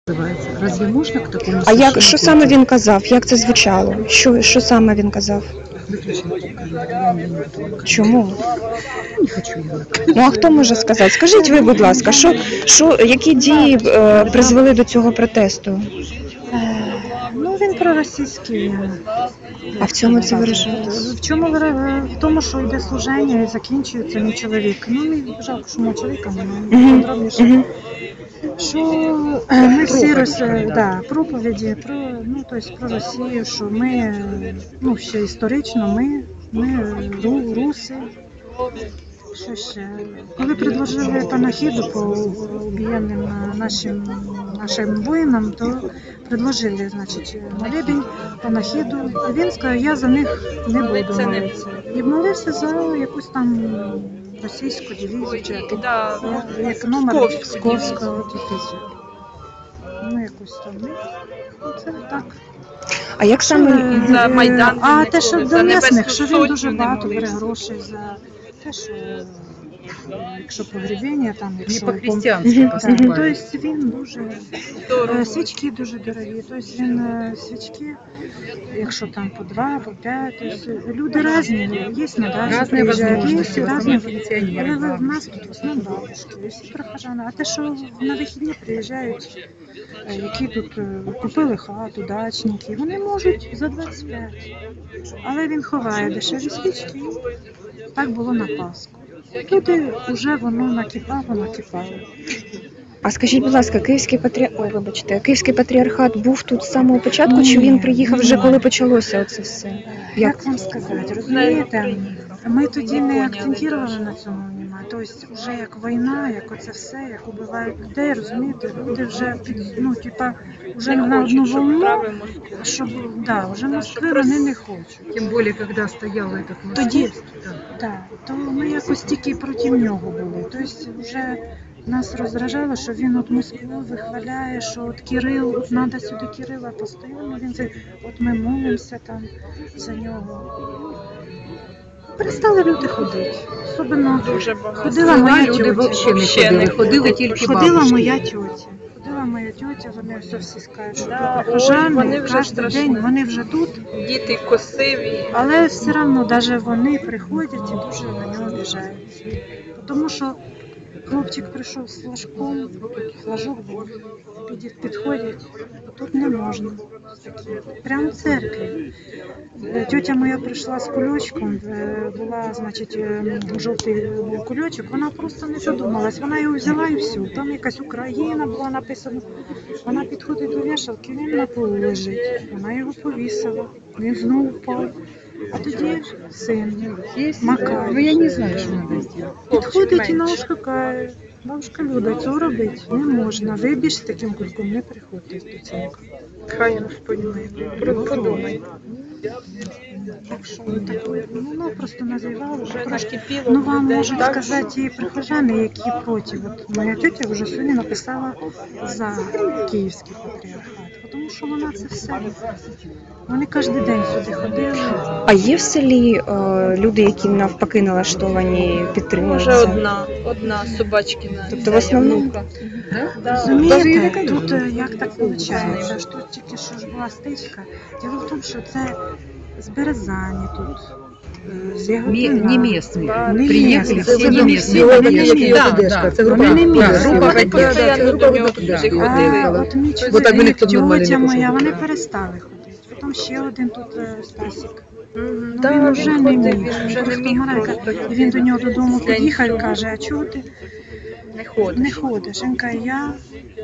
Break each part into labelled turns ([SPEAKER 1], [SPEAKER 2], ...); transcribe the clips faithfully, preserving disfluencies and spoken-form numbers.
[SPEAKER 1] називається. Разве можна к такому
[SPEAKER 2] А як, що саме він казав? Як це звучало? Що, що саме він казав?
[SPEAKER 1] Виключити камеру, я не буду.
[SPEAKER 2] Чому?
[SPEAKER 1] Не хочу я.
[SPEAKER 2] Ну а хто може сказати? Скажіть ви, будь ласка, що, що, які дії е, призвели до цього протесту?
[SPEAKER 3] Ну, він проросійський.
[SPEAKER 2] А в цьому це виражається?
[SPEAKER 3] В чому вира- в тому, що йде служення і закінчується мій чоловік. Ну, мені жалко, що мого чоловіка немає. Подробніше.
[SPEAKER 2] Мгм.
[SPEAKER 3] Що е, ми всі роз... да, проповіді про, ну, тобто про Росію, що ми, ну, ще історично, ми, ми ру, руси. Що ще? Коли предложили панахіду по убієнним нашим, нашим воїнам, то предложили, значить, молебень, панахіду. І він сказав, я за них не буду молитися. І молився за якусь там російську дивізію, чи як,
[SPEAKER 4] Да,
[SPEAKER 3] як номер
[SPEAKER 4] Псковську
[SPEAKER 3] Псковського дивізію. Ну, якусь там. Ну, це так.
[SPEAKER 2] А як саме?
[SPEAKER 4] За Майдан
[SPEAKER 3] А
[SPEAKER 4] вони
[SPEAKER 3] те, що
[SPEAKER 4] коли,
[SPEAKER 3] до
[SPEAKER 4] за
[SPEAKER 3] місних,
[SPEAKER 4] Небесну
[SPEAKER 3] що він
[SPEAKER 4] Сотню
[SPEAKER 3] дуже
[SPEAKER 4] не
[SPEAKER 3] багато бере
[SPEAKER 4] молився.
[SPEAKER 3] грошей за те, що якщо погребення, там,
[SPEAKER 1] Не
[SPEAKER 3] якщо
[SPEAKER 1] по-християнськи
[SPEAKER 3] Так,
[SPEAKER 1] поступають.
[SPEAKER 3] тобто він дуже е, свічки дуже дорогі. Тобто він е, свічки, якщо там по два, по п'ять, тобто люди різні, є на дачі,
[SPEAKER 1] Разные
[SPEAKER 3] приїжджають,
[SPEAKER 1] возможности,
[SPEAKER 3] є
[SPEAKER 1] в основном
[SPEAKER 3] різні.
[SPEAKER 1] пенсионеры.
[SPEAKER 3] Але в
[SPEAKER 1] главное.
[SPEAKER 3] нас тут в основному бабушки, і всі прохожани. А те, що на вихідні приїжджають, е, які тут е, купили хату, дачники, вони можуть за двадцять п'ять. Але він ховає дешеві свічки. Так було на Пасху. Люди вже воно накипало, накипало.
[SPEAKER 2] А скажіть, будь ласка, Київський патріархат, ой, вибачте, Київський патріархат був тут з самого початку,
[SPEAKER 3] Ні,
[SPEAKER 2] чи він приїхав вже
[SPEAKER 3] ні.
[SPEAKER 2] коли почалося оце все? Як?
[SPEAKER 3] Як вам сказати, розумієте, ми тоді не акцентували на цьому внимання. Тобто вже як війна, як оце все, як убивають людей, розумієте, люди вже під, ну, типа, вже
[SPEAKER 4] Не
[SPEAKER 3] на одну
[SPEAKER 4] хочуть, щоб
[SPEAKER 3] волну,
[SPEAKER 4] справи Москви.
[SPEAKER 3] щоб, да, вже
[SPEAKER 4] Да,
[SPEAKER 3] Москви
[SPEAKER 4] щоб
[SPEAKER 3] вони
[SPEAKER 4] роз-
[SPEAKER 3] не хочуть.
[SPEAKER 1] Тем более, когда стоял этот
[SPEAKER 3] Тоді,
[SPEAKER 1] московский. Да.
[SPEAKER 3] так, то ми якось тільки проти нього були. Тобто вже нас роздражало, що він от Москву вихваляє, що от Кирил, от треба сюди Кирила постійно, він це, от ми молимося там за нього. Перестали люди ходити. Особливо
[SPEAKER 4] Дуже багато.
[SPEAKER 3] ходила моя
[SPEAKER 1] Люди
[SPEAKER 3] тьотя.
[SPEAKER 1] вообще не
[SPEAKER 4] Вообще
[SPEAKER 1] ходили,
[SPEAKER 4] не
[SPEAKER 1] ходили тільки
[SPEAKER 3] Ходила
[SPEAKER 1] бабушки.
[SPEAKER 3] моя тьотя. Ходила моя тьотя, вони все всі скажуть, що
[SPEAKER 4] Да, ой,
[SPEAKER 3] прихожани,
[SPEAKER 4] вони вже
[SPEAKER 3] кожен
[SPEAKER 4] страшні.
[SPEAKER 3] день, вони вже тут.
[SPEAKER 4] Діти косиві.
[SPEAKER 3] Але все одно, навіть вони приходять і дуже на нього обіжаються. Тому що хлопчик прийшов з флажком, флажок був, під- підходять, а тут не можна. Прямо в церкві. Е, Тьотя моя прийшла з кульочком, е, була, значить, е, жовтий був кульочок, вона просто не задумалась, вона його взяла і все. Там якась Україна була написана. Вона підходить до вішалки, він на полу лежить. Вона його повісила, він знову впав. А тоді син, Макар.
[SPEAKER 1] Ну, я не знаю, что надо сделать.
[SPEAKER 3] Підходить і
[SPEAKER 4] менше.
[SPEAKER 3] наушка каже, бабушка Люда, цього робити не можна. Ви більше з таким кульком не приходьте до церкви.
[SPEAKER 4] Хай Господь милує. Подумай.
[SPEAKER 3] Так що таке, ну, воно просто називало.
[SPEAKER 4] Вже
[SPEAKER 3] Трошки.
[SPEAKER 4] накипіло
[SPEAKER 3] Ну
[SPEAKER 4] в
[SPEAKER 3] вам
[SPEAKER 4] людей,
[SPEAKER 3] можуть
[SPEAKER 4] так,
[SPEAKER 3] сказати і прихожани, які проти. От моя тетя вже сьогодні написала за Київський патріархат, тому що вона це все. Вони кожен день сюди ходили.
[SPEAKER 2] А є в селі е, люди, які навпаки налаштовані підтримують
[SPEAKER 4] Може
[SPEAKER 2] це?
[SPEAKER 4] одна, одна собачкина.
[SPEAKER 2] Тобто в основному-
[SPEAKER 4] Янука. Да.
[SPEAKER 3] Розумієте, тут е, як так виходить, що тут тільки що ж була стичка. Діло в тому, що це з Березані тут, е, з
[SPEAKER 1] Ме-
[SPEAKER 3] Яготина.
[SPEAKER 1] Не местные.
[SPEAKER 3] Не
[SPEAKER 1] Приехали
[SPEAKER 3] местные.
[SPEAKER 1] все
[SPEAKER 3] Це
[SPEAKER 1] не
[SPEAKER 3] вони
[SPEAKER 1] местные.
[SPEAKER 3] всі, вони не
[SPEAKER 1] Да,
[SPEAKER 3] местные.
[SPEAKER 1] да.
[SPEAKER 5] Це
[SPEAKER 3] Вони не
[SPEAKER 1] Да,
[SPEAKER 3] місцеві.
[SPEAKER 1] група
[SPEAKER 4] Вони
[SPEAKER 1] поддержки.
[SPEAKER 4] постійно до нього туди
[SPEAKER 1] Да.
[SPEAKER 4] ходили.
[SPEAKER 3] А от мій
[SPEAKER 5] Бо так би
[SPEAKER 3] чоловік,
[SPEAKER 5] ніхто б нормально
[SPEAKER 3] тьотя
[SPEAKER 5] не
[SPEAKER 3] моя,
[SPEAKER 5] пішов.
[SPEAKER 3] вони перестали ходити. Потім ще один тут е, Стасік.
[SPEAKER 4] Мгм.
[SPEAKER 3] Ну,
[SPEAKER 4] Да,
[SPEAKER 3] він вже не
[SPEAKER 4] ходив,
[SPEAKER 3] міг.
[SPEAKER 4] він вже не
[SPEAKER 3] Просто
[SPEAKER 4] міг
[SPEAKER 3] Марека,
[SPEAKER 4] просто.
[SPEAKER 3] і він до нього додому
[SPEAKER 4] Після
[SPEAKER 3] під'їхав і
[SPEAKER 4] нічого.
[SPEAKER 3] каже, а чого ти
[SPEAKER 4] Не ходить.
[SPEAKER 3] не ходиш? Він каже, я,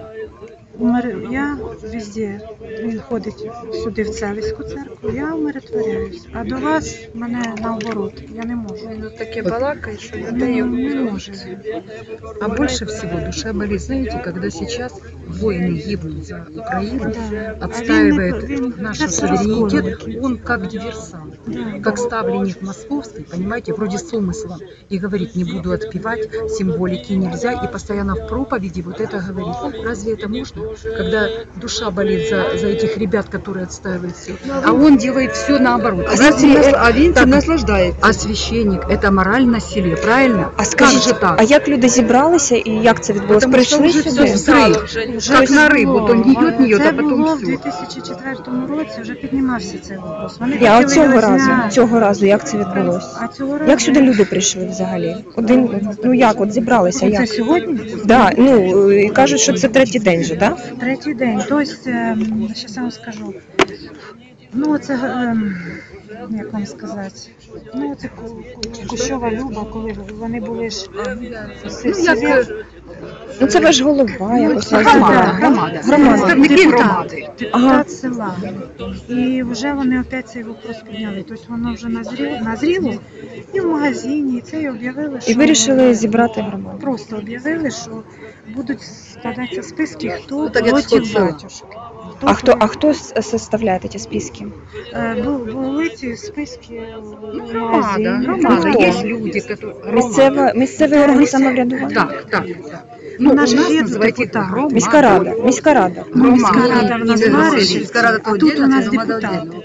[SPEAKER 3] умир- я везде, він ходить сюди в Целівську церкву, я умиротворяюсь, а до вас мене наоборот, я не можу.
[SPEAKER 4] Він таке балакає, що
[SPEAKER 3] Ну,
[SPEAKER 4] людей
[SPEAKER 3] не може.
[SPEAKER 1] А больше всего душа болит, знаете, когда сейчас воины гибнут за Украину,
[SPEAKER 3] Да. А
[SPEAKER 1] отстаивает
[SPEAKER 3] він не- він
[SPEAKER 1] наш
[SPEAKER 3] це все
[SPEAKER 1] суверенитет,
[SPEAKER 3] розколює.
[SPEAKER 1] он как диверсант,
[SPEAKER 3] Да.
[SPEAKER 1] как ставленник московский, понимаете, вроде с умыслом, и говорит, не буду отпевать, символики нельзя, и постоянно в проповеди вот это говорит. Разве это невозможно, когда душа болит за, за этих ребят, которые отстаивают все. А он делает все наоборот.
[SPEAKER 5] А,
[SPEAKER 1] Знаете,
[SPEAKER 5] Винтин, а Винтин
[SPEAKER 1] так,
[SPEAKER 5] наслаждається.
[SPEAKER 1] а священник – это мораль насилия, правильно?
[SPEAKER 2] А скажіть,
[SPEAKER 1] как же так?
[SPEAKER 2] а як люди зібралися і як це відбулося?
[SPEAKER 1] Потому что
[SPEAKER 2] Прийшли
[SPEAKER 1] уже
[SPEAKER 2] сюди?
[SPEAKER 1] все взрыв, как на рыбу, то ньет, ньет,
[SPEAKER 3] Це
[SPEAKER 1] а потом
[SPEAKER 3] було в
[SPEAKER 1] все.
[SPEAKER 3] дві тисячі четвертому році, вже піднімався цей вопрос. Вони
[SPEAKER 2] Я
[SPEAKER 3] хотіли
[SPEAKER 2] цього
[SPEAKER 3] його
[SPEAKER 2] разу,
[SPEAKER 3] зняти.
[SPEAKER 2] цього разу, як це відбулося?
[SPEAKER 3] А цього разу...
[SPEAKER 2] Як сюди люди прийшли взагалі? Один, ну як, от зібралися,
[SPEAKER 3] Це
[SPEAKER 2] як?
[SPEAKER 3] сьогодні?
[SPEAKER 2] Да, ну, і кажуть, що це третій день же, так? Да?
[SPEAKER 3] Третій день. Тобто, зараз я вам скажу. Ну, це, ем, як вам сказати, ну, це Ку- Ку- Кущова Люба, коли вони були ж всі,
[SPEAKER 1] Ну,
[SPEAKER 3] всі
[SPEAKER 1] як е,
[SPEAKER 2] Ну це ваш голова, якось
[SPEAKER 3] це
[SPEAKER 2] вас
[SPEAKER 1] громада,
[SPEAKER 2] зібрали.
[SPEAKER 1] громада.
[SPEAKER 2] Громада.
[SPEAKER 1] Представники
[SPEAKER 3] депутат,
[SPEAKER 1] громади.
[SPEAKER 3] депутат
[SPEAKER 2] Ага.
[SPEAKER 3] села. І вже вони опять цей вопрос підняли. Тобто воно вже назріло, назріло і в магазині, і це і об'явили, що...
[SPEAKER 2] І вирішили зібрати громаду.
[SPEAKER 3] Просто об'явили, що будуть складатися списки, хто
[SPEAKER 5] Ну, так як
[SPEAKER 3] проти
[SPEAKER 5] соцсела.
[SPEAKER 3] батюшки.
[SPEAKER 2] А хто, а хто с- составляє ці списки?
[SPEAKER 3] Е, бу- були ці списки
[SPEAKER 1] Ну,
[SPEAKER 3] в
[SPEAKER 1] громада,
[SPEAKER 3] магазині.
[SPEAKER 1] громада.
[SPEAKER 2] Хто?
[SPEAKER 1] Есть люди, которые...
[SPEAKER 2] Місцева, місцевий орган самоврядування?
[SPEAKER 1] Так, так, так. Ну, у
[SPEAKER 3] Вона
[SPEAKER 1] нас
[SPEAKER 3] ж є
[SPEAKER 1] називають їх
[SPEAKER 3] депутат.
[SPEAKER 1] громада.
[SPEAKER 2] Міська рада, міська рада.
[SPEAKER 3] Ну, міська
[SPEAKER 1] Громада.
[SPEAKER 3] рада в нас
[SPEAKER 5] Ні,
[SPEAKER 3] Маришівці,
[SPEAKER 5] міська рада то
[SPEAKER 3] а тут у
[SPEAKER 5] віддільно,
[SPEAKER 3] нас
[SPEAKER 5] це громада
[SPEAKER 3] депутати.
[SPEAKER 5] віддільно.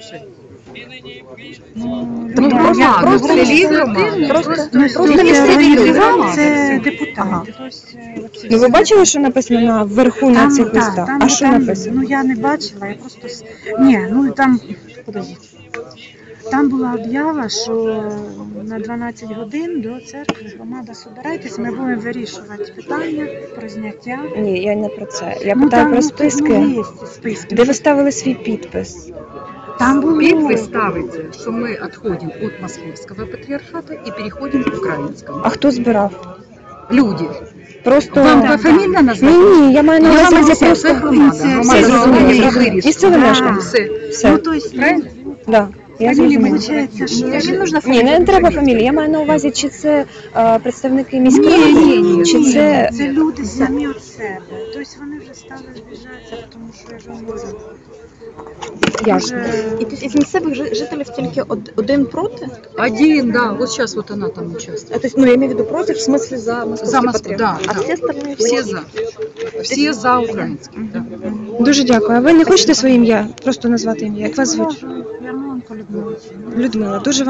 [SPEAKER 3] Ну,
[SPEAKER 1] Ну,
[SPEAKER 3] я-
[SPEAKER 1] громада,
[SPEAKER 3] я-
[SPEAKER 1] просто
[SPEAKER 3] просто-
[SPEAKER 1] селі громада.
[SPEAKER 2] Просто,
[SPEAKER 3] Ну,
[SPEAKER 2] просто
[SPEAKER 3] тобто
[SPEAKER 2] місцеві люди.
[SPEAKER 3] організували це
[SPEAKER 1] Ага.
[SPEAKER 3] депутати.
[SPEAKER 2] Ага.
[SPEAKER 3] Тобто, е, оці
[SPEAKER 2] Ну ви
[SPEAKER 3] всі-
[SPEAKER 2] бачили, що написано на вверху на
[SPEAKER 3] Там,
[SPEAKER 2] цих
[SPEAKER 3] так,
[SPEAKER 2] листах?
[SPEAKER 3] там,
[SPEAKER 2] А що
[SPEAKER 3] там,
[SPEAKER 2] написано?
[SPEAKER 3] Ну я не бачила, я просто с- ні, ну там подождіть. Там була об'ява, що на дванадцять годин до церкви громада собирайтесь, ми будемо вирішувати питання про зняття.
[SPEAKER 2] Ні, я не про це. Я
[SPEAKER 3] Ну,
[SPEAKER 2] питаю
[SPEAKER 3] там,
[SPEAKER 2] про
[SPEAKER 3] ну,
[SPEAKER 2] списки,
[SPEAKER 3] Ну, є ці списки.
[SPEAKER 2] де ви ставили свій підпис.
[SPEAKER 3] Там було.
[SPEAKER 1] Підпис ставиться, що ми відходимо від Московського патріархату і переходимо к українському.
[SPEAKER 2] А хто збирав?
[SPEAKER 1] Люди.
[SPEAKER 2] Просто
[SPEAKER 1] Вам
[SPEAKER 3] да,
[SPEAKER 1] пофамільно
[SPEAKER 2] ні,
[SPEAKER 1] назвати?
[SPEAKER 2] ні, я маю на
[SPEAKER 1] Я
[SPEAKER 2] увазі
[SPEAKER 1] вам
[SPEAKER 2] це
[SPEAKER 1] це
[SPEAKER 2] просто
[SPEAKER 1] громада.
[SPEAKER 3] Все,
[SPEAKER 1] Громада
[SPEAKER 2] все зрозуміло,
[SPEAKER 1] зробила,
[SPEAKER 2] зрозуміло.
[SPEAKER 1] вирішила.
[SPEAKER 2] Місцеве
[SPEAKER 3] Да.
[SPEAKER 2] мешканці.
[SPEAKER 1] Все.
[SPEAKER 2] Все,
[SPEAKER 3] Ну, то есть,
[SPEAKER 1] Правильно?
[SPEAKER 2] да. Я
[SPEAKER 3] Фамілії
[SPEAKER 2] зрозуміла.
[SPEAKER 3] виходить, що
[SPEAKER 1] Не нужно
[SPEAKER 2] Ні, не треба фамілії. Я маю на увазі, чи це е, представники міської
[SPEAKER 1] Ні,
[SPEAKER 2] ради,
[SPEAKER 1] ні, ні,
[SPEAKER 2] чи
[SPEAKER 1] ні.
[SPEAKER 2] це
[SPEAKER 3] це люди самі від себе. Тобто вони вже стали зближатися, тому що я ж вам говорю.
[SPEAKER 2] ясно.
[SPEAKER 3] Вже-
[SPEAKER 6] І тобто із місцевих жи- жителів тільки од- один проти?
[SPEAKER 1] Один, да. Вот сейчас вот она там участвует.
[SPEAKER 6] А, тобто, ну, я маю в виду проти, в смислі за московський
[SPEAKER 1] За Москву,
[SPEAKER 6] патріархат.
[SPEAKER 1] да,
[SPEAKER 6] А
[SPEAKER 1] да.
[SPEAKER 6] всі остальні
[SPEAKER 1] Все за. Все за український. Да.
[SPEAKER 2] Дуже дякую. А ви не хочете своє ім'я? Просто назвати ім'я? Як вас звуть?
[SPEAKER 3] Ярмоленко Людмила.
[SPEAKER 2] Людмила. Дуже